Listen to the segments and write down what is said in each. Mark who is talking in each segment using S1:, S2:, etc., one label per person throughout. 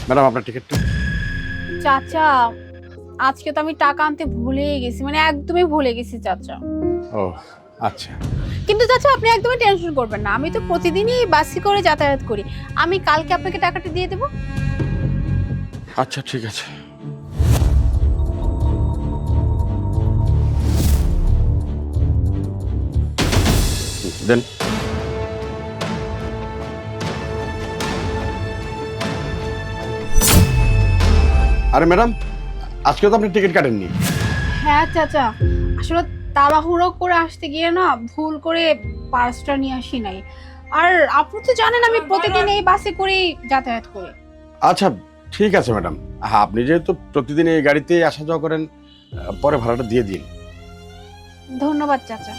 S1: Madam আপনার টিকিটটা।
S2: চাচা, আজকে তো আমি টাকা আনতে ভুলেই গেছি, মানে একদমই ভুলে গেছি চাচা।
S1: ও আচ্ছা।
S2: কিন্তু চাচা আপনি একদমই টেনশন করবেন না, আমি তো প্রতিদিনই বাসে করে যাতায়াত করি। আমি কালকে আপনাকে টাকাটা দিয়ে দেবো।
S1: আচ্ছা ঠিক আছে। দেন। আরে ম্যাডাম, আজকে তো আপনি টিকিট কাটেননি।
S2: হ্যাঁ চাচা, আসলে তাড়াহুড়ো করে আসতে গিয়ে না ভুল করে পার্সটা নিয়ে আসি নাই। আর আপনি তো জানেন আমি প্রতিদিন এই বাসে করেই যাতায়াত করি।
S1: আচ্ছা ঠিক আছে ম্যাডাম, হ্যাঁ আপনি যেহেতু প্রতিদিন এই গাড়িতে আসা যাওয়া করেন, পরে ভাড়াটা দিয়ে দিন।
S2: ধন্যবাদ চাচা।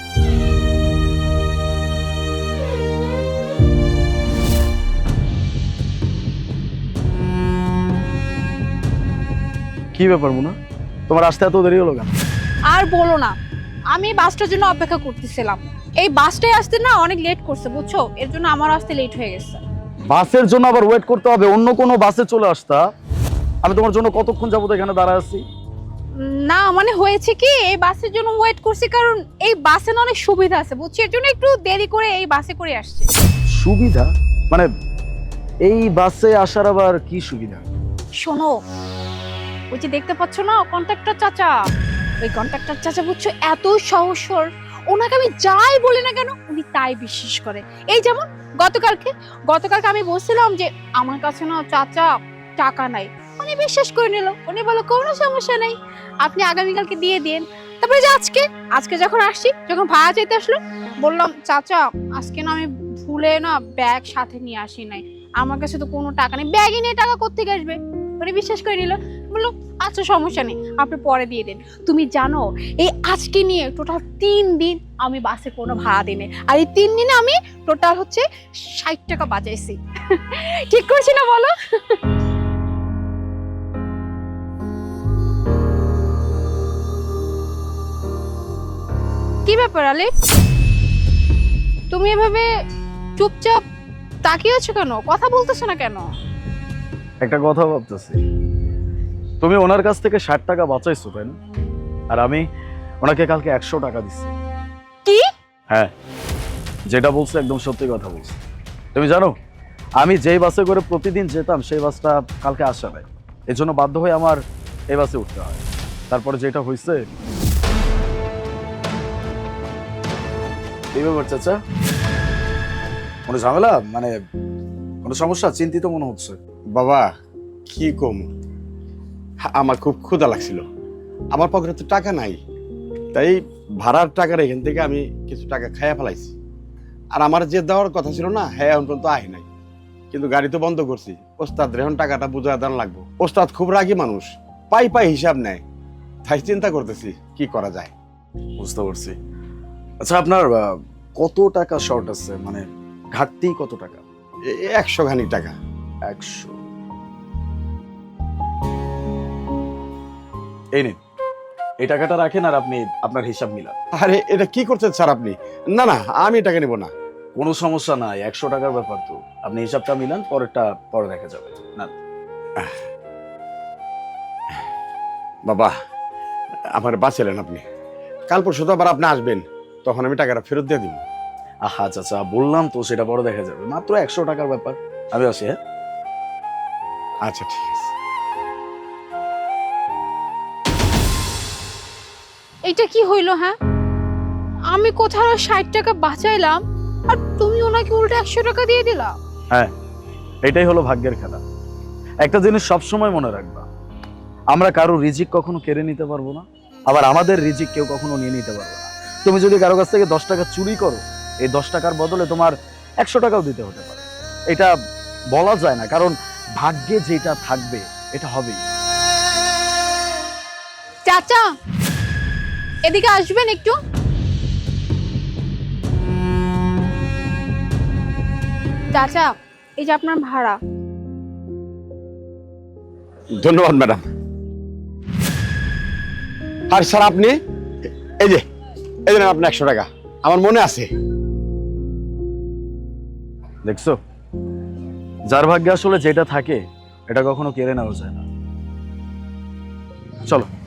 S3: কি ব্যাপার মুনা, তোমার আসতে এত দেরি হলো কেন?
S2: আর বলো না, আমি বাসটার জন্য অপেক্ষা করতেছিলাম। এই বাসটাই আসতে না অনেক লেট করছে বুঝছো, এর জন্য আমার আসতে লেট হয়ে গেছে।
S3: বাসের জন্য আবার ওয়েট করতে হবে? অন্য কোনো বাসে চলে আসতা। আমি তোমার জন্য কতক্ষণ যাবত এখানে দাঁড়ায় আছি।
S2: না মানে হয়েছে কি, এই বাসের জন্য ওয়েট করছি কারণ এই বাসে না অনেক সুবিধা আছে বুঝছি, এর জন্য একটু দেরি করে এই বাসে করে আসছে।
S3: সুবিধা মানে এই বাসে আসার আবার কি সুবিধা?
S2: শোনো, ওই যে দেখতে পাচ্ছ না কন্ট্রাক্টর চাচা, ওই কন্ট্রাক্টর চাচা বুঝছো এত সহজ সরল, ওনাকে আমি যাই বলি না কেন উনি তাই বিশ্বাস করে। এই যেমন গতকালকে গতকালকে আমি বলছিলাম যে আমার কাছে না চাচা টাকা নাই, উনি বিশ্বাস করে নিল। উনি বলল কোনো সমস্যা নেই, আপনি আগামীকালকে দিয়ে দিন। তারপরে যে আজকে আজকে যখন আসছি, যখন ভাড়া চাইতে আসলো, বললাম চাচা আজকে না আমি ভুলে না ব্যাগ সাথে নিয়ে আসি নাই, আমার কাছে তো কোনো টাকা নেই, ব্যাগে নিয়ে টাকা কোত্থেকে আসবে। উনি বিশ্বাস করে নিল, বললো আচ্ছা সমস্যা নেই আপনি পরে দিয়ে দেন। তুমি জানো এই আজকে নিয়ে টোটাল 3 দিন আমি বাসে কোনো ভাড়া দিই, আর এই 3 দিনে আমি টোটাল হচ্ছে 60 টাকা বাঁচাইছি। ঠিক করছি না বলো? কি ব্যাপার আলে, তুমি এভাবে চুপচাপ তাকিয়ে আছো কেন, কথা বলতেছো না কেন?
S3: একটা কথা ভাবতেছি, তুমি ওনার কাছ থেকে 60 টাকা বাঁচাইছো তাই না? আর আমি ওনাকে কালকে 100 টাকা দিচ্ছি।
S2: কি?
S3: হ্যাঁ, যেটা বলছো একদম সত্যি কথা বলছো। তুমি জানো আমি যেই বাসে করে প্রতিদিন যেতাম সেই বাসটা কালকে আসা নাই, এই জন্য বাধ্য হয়ে আমার এই বাসে উঠতে হয়। তারপরে যেটা হয়েছে, এই ব্যাপার চাচা, কোনো ঝামেলা মানে কোনো সমস্যা? চিন্তিত মনে হচ্ছে।
S1: বাবা কি কম, আমার খুব ক্ষুধা লাগছিল, আমার পকেটে তো টাকা নাই, তাই ভাড়ার টাকার এখান থেকে আমি কিছু টাকা খাইয়া ফেলাইছি। আর আমার যে দেওয়ার কথা ছিল না, হ্যাঁ এখন পর্যন্ত আহি নাই, কিন্তু গাড়ি তো বন্ধ করছি। ওস্তাদ এখন টাকাটা বুঝায় দেওয়ার লাগবো। ওস্তাদ খুব রাগী মানুষ, পাই পাই হিসাব নেয়, তাই চিন্তা করতেছি কি করা যায়।
S3: বুঝতে পারছি। আচ্ছা আপনার কত টাকা শর্ট আছে, মানে ঘাটতি কত টাকা?
S1: 100 খানিক টাকা।
S3: 100। এই নিন, এই টাকাটা রাখেন আর আপনি আপনার হিসাব মিলান।
S1: আরে এটা কি করছেন স্যার আপনি? না না, আমি টাকা নিব না।
S3: কোনো সমস্যা নাই, 100 টাকার ব্যাপার তো, আপনি হিসাবটা মিলান, পরেরটা পরে দেখা যাবে না।
S1: বাবা আমার বাঁচালেন আপনি, কাল পরশু তো আবার আপনি আসবেন, তখন আমি টাকাটা ফেরত দিয়ে দিব।
S3: আহা চাচা, বললাম তো সেটা পরে দেখা যাবে, মাত্র 100 টাকার ব্যাপার। আমি আসি, হ্যাঁ?
S1: আচ্ছা ঠিক আছে।
S2: এটা কি হইলো? হ্যাঁ, আমি কোথাও 60 টাকা বাঁচাইলাম আর তুমি ওনাকে উল্টো 100 টাকা দিয়ে দিলা।
S3: হ্যাঁ, এটাই হলো ভাগ্যের খেলা। একটা জিনিস সবসময় মনে রাখবা, আমরা কারো রিজিক কখনো কেড়ে নিতে পারবো না, আবার আমাদের রিজিক কেউ কখনো নিয়ে নিতে পারবে না। তুমি যদি কারো কাছ থেকে 10 টাকা চুরি করো, এই 10 টাকার বদলে তোমার 100 টাকাও দিতে হতে পারে। এটা বলা যায় না, কারণ ভাগ্যে যেটা থাকবে এটা হবেই।
S2: চাচা এদিকে আসবেন একটু। চাচা এই যে আপনার ভাড়া।
S1: ধন্যবাদ ম্যাডাম। আর স্যার আপনি এই যে নেন আপনার 100 টাকা, আমার মনে আছে।
S3: দেখছো, যার ভাগ্যে আসলে যেটা থাকে এটা কখনো কেড়ে নেওয়া যায় না। চলো।